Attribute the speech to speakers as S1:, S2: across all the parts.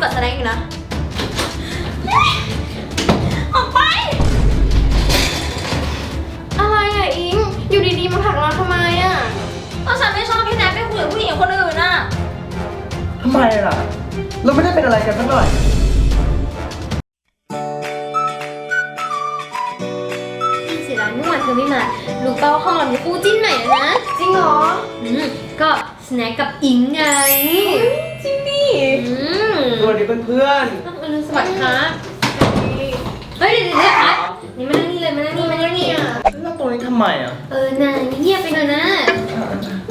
S1: กับสแน็คอยู่นะออกไปอะไรอ่ะอิงอยู่ดีๆมาผลักเราทำไมอ่ะก็ฉันไม่ชอบพี่แนทไปคุยกับผู้หญิงคนอื่นน่ะ
S2: ทำไมล่ะเราไม่ได้เป็นอะไรกันสักหน่อย
S1: เสียดายเมื่อวานเธอไม่มารู้เป้าห้องเรามีคู่จิ้นใหม่แล้วนะจริงเหรอก็สแน็คกับอิงไงจริงดิ
S2: สวัสดีเพื่อน
S1: สวัสดีครับเฮ้ยเดี๋ยวครับนี่มานั่งนี่เลยมานั่งนี่
S2: แล้วตรงนี้ทำไมอ่ะ
S1: น่ะเงียบไปหน่อยนะ
S2: ส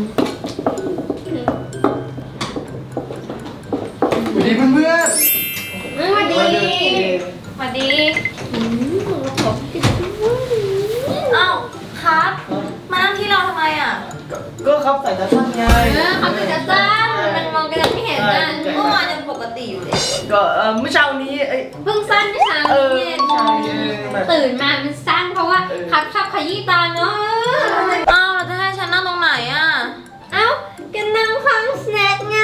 S2: วัสดีเพื่อน
S1: สวัสดีอ้าวครับมานั่งที่เราทำไมอ่ะ
S2: ก็ครับใส่ตาสั้นไง
S1: เขาใส่ตาสั้นมันมองกันไม่เห็นนะเมื่อวานยังปกติอยู่เลย
S2: ก็เมื่อเช้านี้
S1: เพิ่งสั้นเมื่อเช้านี้ตื่นมามันสั้นเพราะว่าครับชอบขยี้ตาเนาะอ้าวเราจะให้ฉันนั่งตรงไหนอ่ะอ้าวกันนั่งฟังสแน็คไง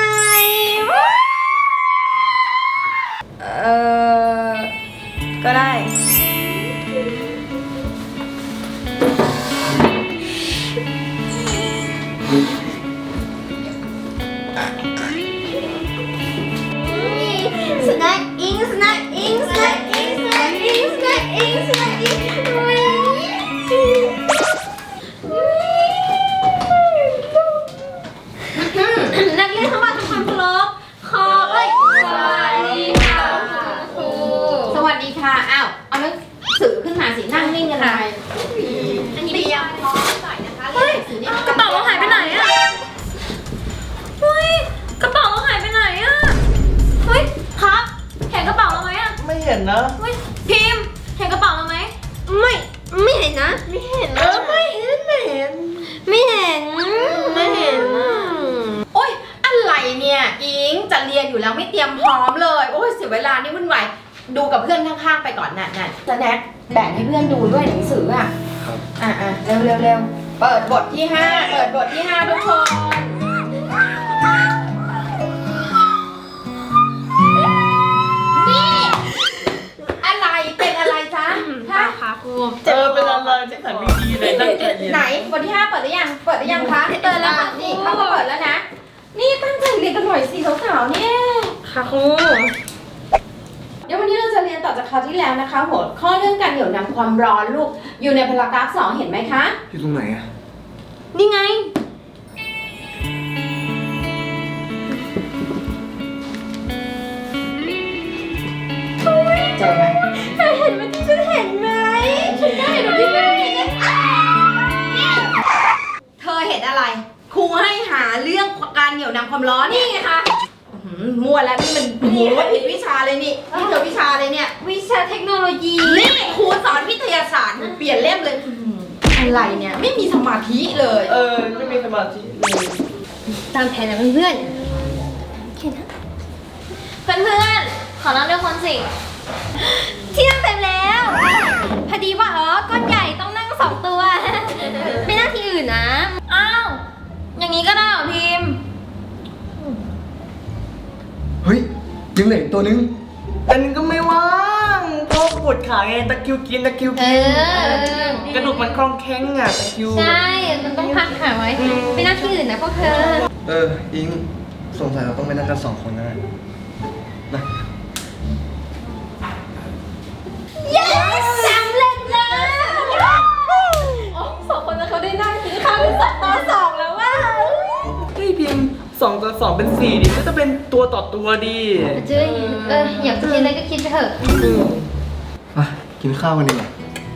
S1: ก็ได้สแน็คอิงสแน็คอิงสแน็คอิงสแน็คอิงสแน็คอิงสแน็คอิงนักเรียนทั้งหมดทำความเคารพขอสวัสดีค่ะครูสวัสดีค่ะอ้าวเอาหนังสือขึ้นมาสินั่งนิ่งกันเลยอันนี้เตรียมพร้อมใส่นะคะเฮ้ยกระเป๋าเราหายไปไหนอะเฮ้ยกระเป๋าเราหายไปไหนอะเฮ้ยครับเห็นกระเป๋าเราไหมอะ
S2: ไม่เห็นนะ
S1: เฮ้ยพิมพ์เห็นกระเป๋าเราไหมไม่เห็นนะไม่เห็นโอ๊ยอะไรเนี่ยอิงจะเรียนอยู่แล้วไม่เตรียมพร้อมเลยโอ้ยเสียเวลานี่วุ่นวายดูกับเพื่อนข้างๆไปก่อนนั่นสแน็คแบ่งให้เพื่อนดูด้วยหนังสืออ่ะเร็วเปิดบทที่5ทุกคนนี่อะไรเป็นอะไรจ๊ะค่ะครู
S2: เป็นอะไรจะขันไม่ดีเลยตั้งใจเรียน
S1: ไหนบทที่5เปิดหรือยังคะเปิดแล้วค่ะนี่เขาก็เปิดแล้วนะนี่ตั้งใจเรียนกันหน่อยสิสาวๆเนี่ยค่ะครูเดี๋ยววันนี้เราจะเรียนต่อจากคราวที่แล้วนะคะหัวข้อเรื่องการเหนี่ยวนำความร้อนลูกอยู่ในพารากราฟ 2เห็นไหมคะ
S2: อยู่ตรงไหนอะ
S1: นี่ไงเจอไหมเห็นไหมที่ฉันเห็นไหมฉันได้เห็นที่ฉันเห็นเธอเห็นอะไรครูให้หาเรื่องการเหนี่ยวนำความร้อนนี่ไงคะมั่วแล้วนี่มันผิดวิชาเลยนี่เธอวิชาเลยเนี่ยวิชาเทคโนโลยีนี่ครูสอนวิทยาศาสตร์เปลี่ยนเล่มเลยอะไรเนี่ยไม่มีสมาธิเลย
S2: ไม่มีสมาธิเลย
S1: ตามแผนนะเพื่อนขอนั่งด้วยคนสิที่นั่งเต็มแล้วพอดีว่าก้อนใหญ่ต้องนั่ง2ตัวไม่นั่งที่อื่นนะอ้าวอย่างนี้ก็ได้เหรอพิมพ์
S2: เฮ้ยยังเหลือตัวนึงแต่นึงก็ไม่ว่างเพราะปวดขาไงตะคิวกินกระดูกมันคล่องแข็งอ่ะตะคิว
S1: ใช่มันต้องพักขาไว้ไม่นั่งที่อื่นนะพวกเธอ
S2: อิงสงสัยเราต้องไปนั่งกัน2 คนนะ
S1: สำเร็จแล้ว2 คนแล้วเขาได้นั่งกินข้าวเป็น2 ต่อ 2แล้วว่า
S2: เฮ้ยพิมพ์2 ต่อ 2เป็น4ดิก็จะเป็นตัวต่อตัวดิ
S1: อยากกินอะไรก็คิดไปเถอะ
S2: กินข้าวกันดีกว่า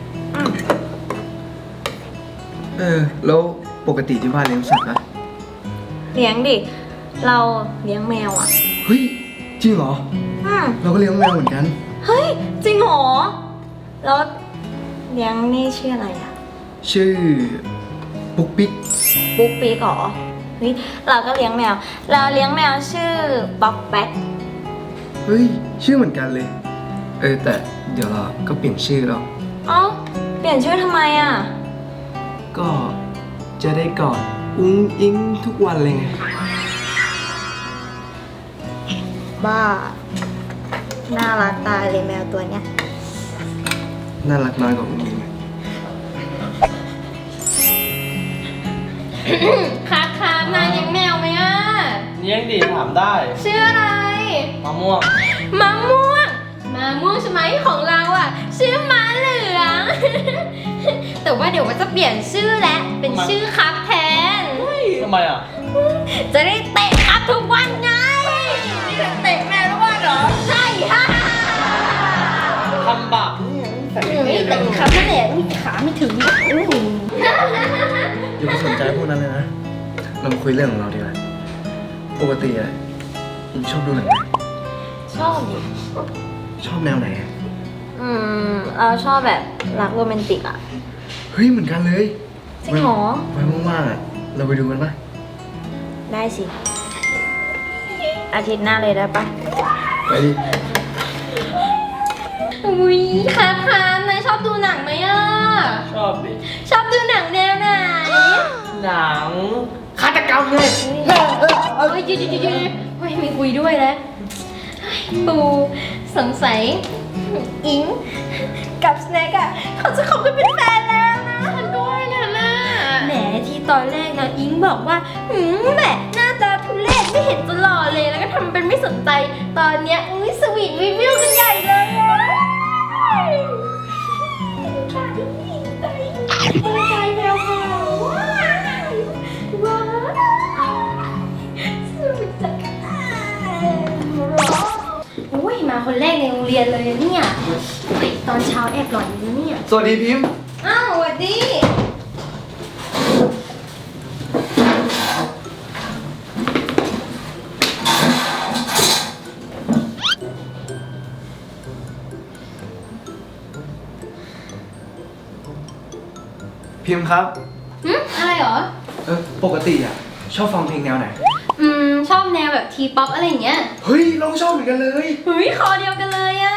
S2: แล้วปกติที่บ้านเลี้ยงสัตว์นะ
S1: เลี้ยงดิเราเลี้ยงแมวอ่ะ
S2: เฮ้ยจริงเหรอเราก็เลี้ยงแมวเหมือนกัน
S1: เฮ้ยจริงเหรอแล้วเลี้ยงนี่ชื่ออะไรอ่ะ
S2: ชื่อปุ๊กปิ๊ก
S1: เหรอเฮ้ยเราก็เลี้ยงแมวเราเลี้ยงแมวชื่อบ๊อกแบ็ค
S2: เฮ้ยชื่อเหมือนกันเลยแต่เดี๋ยวเราก็เปลี่ยนชื่อแล้ว
S1: เปลี่ยนชื่อทำไมอ่ะ
S2: ก็จะได้กอดอุ้งอิงทุกวันเลยไง
S3: บ้า น่ารักตายเลยแมวตัวเนี้ย
S2: น่ารักน้อยกว่าคุณอิง
S1: ครับนายเลี้ยงแมวไหมอ่ะ
S2: เลี้ยงดิถามได้
S1: ชื่ออะไร
S2: มะม่วง
S1: มะม่วงใช่ไหมของเราอ่ะ ชื่อม้าเหลือง แต่ว่าเดี๋ยวว่าจะเปลี่ยนชื่อแล้วเป็นชื่อครับแทน
S2: ทำไมอ่ะ
S1: จะได้เตะครับทุกวันไงนี่จะเตะแมวทุกวันเหรอ ใช่ค่ะ
S2: ทำบาปนี่ใส่
S1: นี่เตะครับนั่นแหละอุ๊ยขาไม่ถึงอุ๊ย
S2: อย่าไปสนใจพวกนั้นเลยนะ เรามาคุยเรื่องของเราดีกว่า ปกติอะอิงชอบดูหนังไหม
S3: ชอบดิ
S2: ชอบแนวไหนอะ
S3: เราชอบแบบรักโรแมนติกอ่ะ
S2: เฮ้ยเหมือนกันเลย
S3: จริงเหรอ
S2: ไว้ว่างๆอะเราไปดูกันปะ
S3: ได้สิ อาทิตย์หน้าเลยได้ปะ
S2: ไปดิ
S1: อุ้ยครับนายชอบดูหนังไหมอ่ะ
S2: ชอบดิ
S1: ชอบดูหนังแนวไหน
S2: หนังฆาตกรรมไง
S1: เฮ้ยหยุดเฮ้ยไม่คุยด้วยแล้วเฮ้ยปูสงสัยอิงกับสแน็คอะเขาจะคบกันเป็นแฟนแล้วนะฉันก็ว่างั้นน่ะแหมที่ตอนแรกนะอิงบอกว่าแหมหน้าตาทุเรศไม่เห็นจะหล่อเลยแล้วก็ทำเป็นไม่สนใจตอนเนี้ยอุ้ยสวีทวิวกันใหญ่เลยอะใจแวววาวว้าวสุดจักรอุ้ยมาคนแรกในโรงเรียนเลยนะเนี่ยเฮ้ยตอนเช้าแอบหลอนอยู่นะเนี่ย
S2: สวัสดีพิมพ์
S1: อ้าวสวัสดี
S2: พิมพ์ครับ
S1: อะไรเหรอ
S2: ปกติอะชอบฟังเพลงแนวไหน
S1: ชอบแนวแบบทีป๊อปอะไรอย่างเงี้ย
S2: เฮ้ยเราชอบเหมือนกันเลย
S1: เฮ้ยคอเดียวกันเลยอะ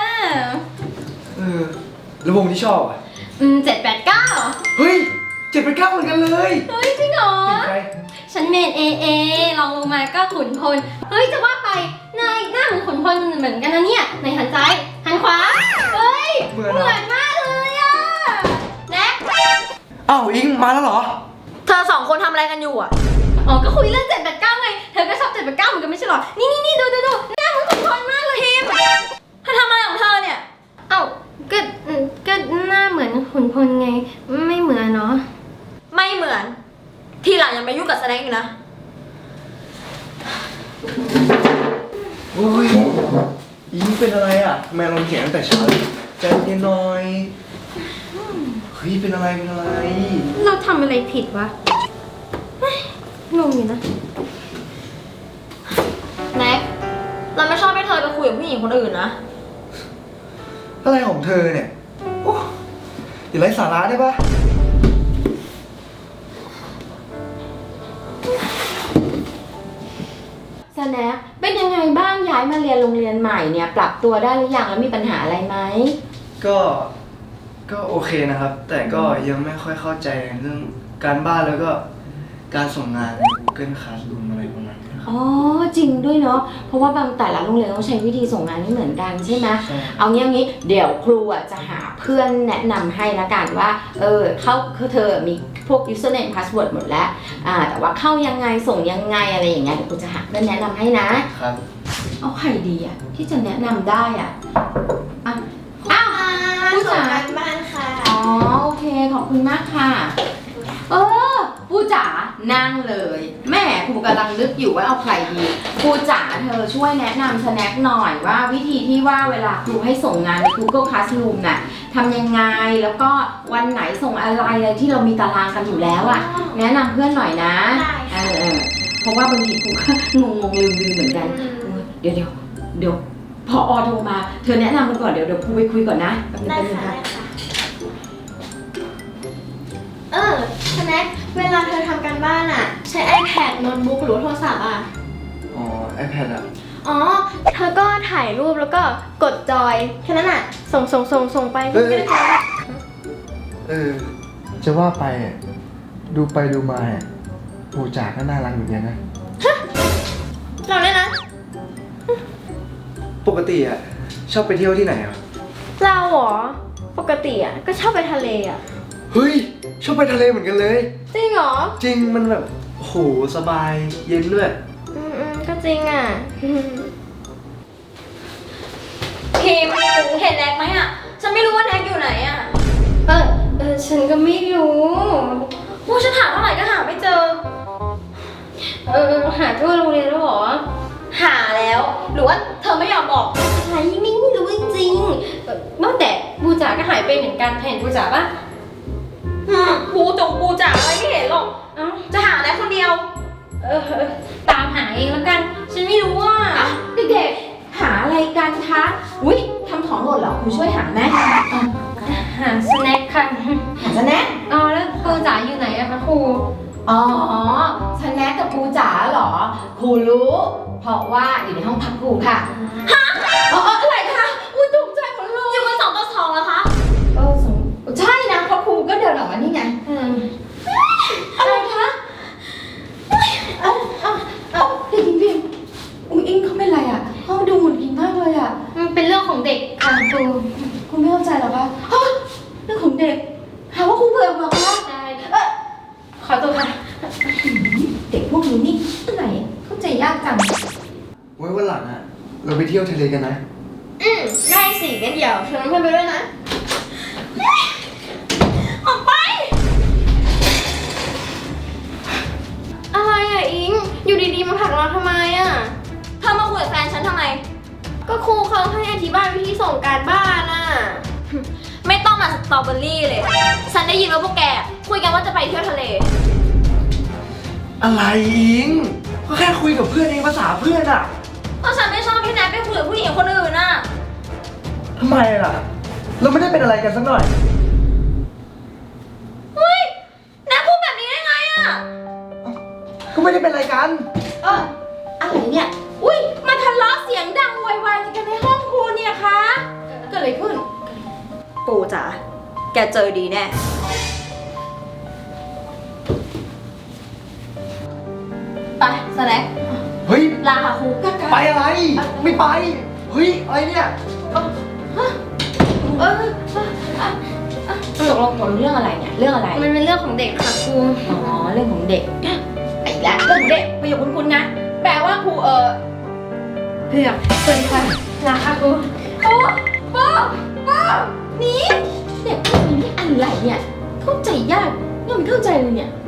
S2: แล้ววงที่ชอบอะ
S1: 789
S2: เฮ้ย789เหมือนกันเลย
S1: เฮ้ยจริงเหรอ
S2: เป็นใคร
S1: ฉันเมนเอลองลงมาก็ขุนพล เฮ้ยจะว่าไปนายหน้าเหมือนขุนพลเหมือนกันนะเนี่ยในหันซ้ายหันขวา เฮ้ย
S2: เหมือนเหรอ
S1: มากเลยอะแน็ก
S2: อ้าวอิงมาแล้วเหรอ
S3: เธอสองคนทำอะไรกันอยู่อ่ะ
S1: อ๋อก็คุยเรื่อง789ไง เธอก็ชอบ789เหมือนกันไม่ใช่เหรอ นี่ดูหน้าเหมือนขุนพลมากเลยพิม
S3: เธอทำอะไรของเธอเนี่ย
S1: เอ้าก็หน้าเหมือนขุนพลไง ไม่เหมือนเนาะ
S3: ไม่เหมือน ทีหลังอย่ามายุ่งกับแสดงอีกนะ
S2: โอ้ยอิงเป็นอะไรอ่ะทำไมเราเขียนตั้งแต่เช้าเลยใจเย็นหน่อยเฮ้ยเป็นอะไร
S1: เราทำอะไรผิดวะเฮ้ยงงอยู่นะ
S3: แน็ก เราไม่ชอบให้เธอไปคุยกับผู้หญิงคนอื่นนะ
S2: อะไรของเธอเนี่ยโอ้อย่าไร้สาระได้ปะ
S1: สแน็คเป็นยังไงบ้างย้ายมาเรียนโรงเรียนใหม่เนี่ย ปรับตัวได้หรือยังแล้วมีปัญหาอะไรไหม
S2: ก็โอเคนะครับ แต่ก็ยังไม่ค่อยเข้าใจเรื่องการบ้านแล้วก็การส่งงานใน Google Classroom อะไรประมาณนี้ครับ
S1: อ๋อจริงด้วยเนาะเพราะว่าบางแต่ละโรงเรียนต้องใช้วิธีส่งงานไม่เหมือนกันใช่ไหม
S2: ใช่
S1: เอางี้เดี๋ยวครูอ่ะจะหาเพื่อนแนะนำให้ละกันว่าเธอมีพวก username password หมดแล้วแต่ว่าเข้ายังไงส่งยังไงอะไรอย่างเงี้ยเดี๋ยวครูจะหาเพื่อนแนะนำให้นะครับ เอาใครดีอ่ะที่จะแนะนำได้อ่ะอ่ะอ้าวผู้จ๋า
S3: บ้านค่ะ
S1: อ๋อโอเคขอบคุณมากค่ะผู้จ๋านั่งเลยแม่ครูกำลังนึกอยู่ว่าเอาใครดีครูจ๋าเธอช่วยแนะนำสแน็คหน่อยว่าวิธีที่ว่าเวลาครูให้ส่งงานใน Google Classroom น่ะทำยังไงแล้วก็วันไหนส่งอะไรที่เรามีตารางกันอยู่แล้วอ่ะแนะนำเพื่อนหน่อยนะเพราะว่าบางทีครูก็งงลืมเหมือนกันเดี๋ยวพอโทรมาเธอแนะนำกันก่อนเดี๋ยวครูไปคุยก่อนนะแป๊บนึงค่ะ
S4: สแน็คเวลาเธอทำการบ้านอะใช้ iPad โน้ตบุ๊กหรือว่าโทรศัพท์อะ
S2: อ๋อ iPad อ่ะ
S4: อ๋อ เธอก็ถ่ายรูปแล้วก็กดจอยแค่นั้นอะส่งไป
S2: เอ้ย จะว่าไปอ่ะดูไปดูมาอ่ะปู่จ๋าก็น่ารักเหมือนกันนะ
S4: เราเนี่ยนะ
S2: ปกติอ่ะชอบไปเที่ยวที่ไหนอ่ะ
S4: เราเหรอ ปกติอ่ะก็ชอบไปทะเลอ่ะ
S2: เฮ้ยชอบไปทะเลเหมือนกันเลย
S4: จริงเหรอ
S2: จริงมันแบบโอ้โหสบายเย็นด้วย
S4: ก็จริงอ่ะ
S1: พิมเห็นแน็กไหมอ่ะ ฉันไม่รู้ว่าแน็กอยู่ไหนอ่ะ
S4: ฉันก็ไม่รู้
S1: โอ้ฉันหาเท่าไหร่ก็หาไม่เจอ
S4: หาทั่วโรงเรียนแล้วเหรอ
S1: หาแล้ว หรือว่าเธอไม่ยอมบอก
S4: อะไรไม่รู้จริงๆว่าแต่บูจ๋าก็หายไปเหมือนกันเห็นบูจ๋าปะ
S1: ปูจ๋าอะไรไม่เห็นหรอก
S4: เอ้า
S1: จะหาแน็กคนเดียว
S4: ตามหาเองแล้วกัน ฉันไม่รู้ว่า
S1: เด็กๆ หาอะไรกันคะ อุ้ยทำของหล่นเหรอครูช่วยหาไหม
S4: หาสแน็คค่ะ
S1: หาสแน็ค
S4: แล้วบูจ๋าอยู่ไหนอะคะครู
S1: อ๋อสแน็คกับครูจ๋าเหรอ ครูรู้ เพราะว่าอยู่ในห้องพักครูค่ะ ฮะอะไรคะอุ้ยตกใจหมดเลยอยู่กัน2 ต่อ 2แล้วคะใช่นะเพราะครูก็เดินออกมานี่ไง อะไรคะเด็กพิมอุ้ยอิงเขาเป็นไรอ่ะเขาดูหงุดหงิดมากเลยอ่ะ
S4: มันเป็นเรื่องของเด็กค่ะครู
S1: คุณไม่เข้าใจหรอคะฮะเรื่องของเด็กหาว่าครูเบื่อเหรอคะ
S4: ใช่ขอตัวค่ะ
S1: เด็กพวกนี้นี่ที่ไหนเข้าใจยากจัง
S2: ไว้วันหลังอ่ะเราไปเที่ยวทะเลกันนะ
S4: ได้สิงั้นเดี๋ยวชวนเพื่อนไปด้วยนะ
S1: ออกไป
S4: อะไรอ่ะอิง อยู่ดีๆมาผลักเราทำไมอ่ะ
S1: เธอมาคุยกับแฟนฉันทำไม
S4: ก็ครูเขาให้อธิบายวิธีส่งการบ้านอ่ะ
S1: ไม่ต้องมาสตรอเบอรี่เลย ฉันได้ยินว่าพวกแกคุยกันว่าจะไปเที่ยวทะเล
S2: อะไรอิงก็แค่คุยกับเพื่อนเองภาษาเพื่อนอ่ะ
S1: เพราะฉันไม่ชอบพี่แนทไปคุยกับผู้หญิงคนอื่นน่ะ
S2: ทำไมล่ะ เราไม่ได้เป็นอะไรกันสักหน่อย
S1: เฮ้ยแนทพูดแบบนี้ได้ไงอ่ะ
S2: ก็ไม่ได้เป็นอะไรกัน
S1: อะไรเนี่ย อุ้ยมาทะเลาะเสียงดังโวยวายกันในห้องครูเนี่ยคะเกิดอะไรขึ้น
S3: ปูจ๋า แกเจอดีแน่
S1: ไปสแน็ค
S2: เฮ้ย
S1: ลาค่ะครูกัด
S2: ไปอะไร ไม่ไป เฮ้ย อะไรเนี่ย
S1: ตกลงผลเรื่องอะไรเนี่ย เรื่องอะไร
S4: มันเป็นเรื่องของเด็กค่ะครู
S1: อ๋อ เรื่องของเด็กไอ้ละเรื่องของเด็กประโยคคุ้นๆนะ แปลว่าครู
S4: เผือกสวัสดีค่ะลาค่ะครู
S1: โอ้ป้านี่เด็กพวกนี้นี่อะไรเนี่ย เข้าใจยากยังไม่เข้าใจเลยเนี่ย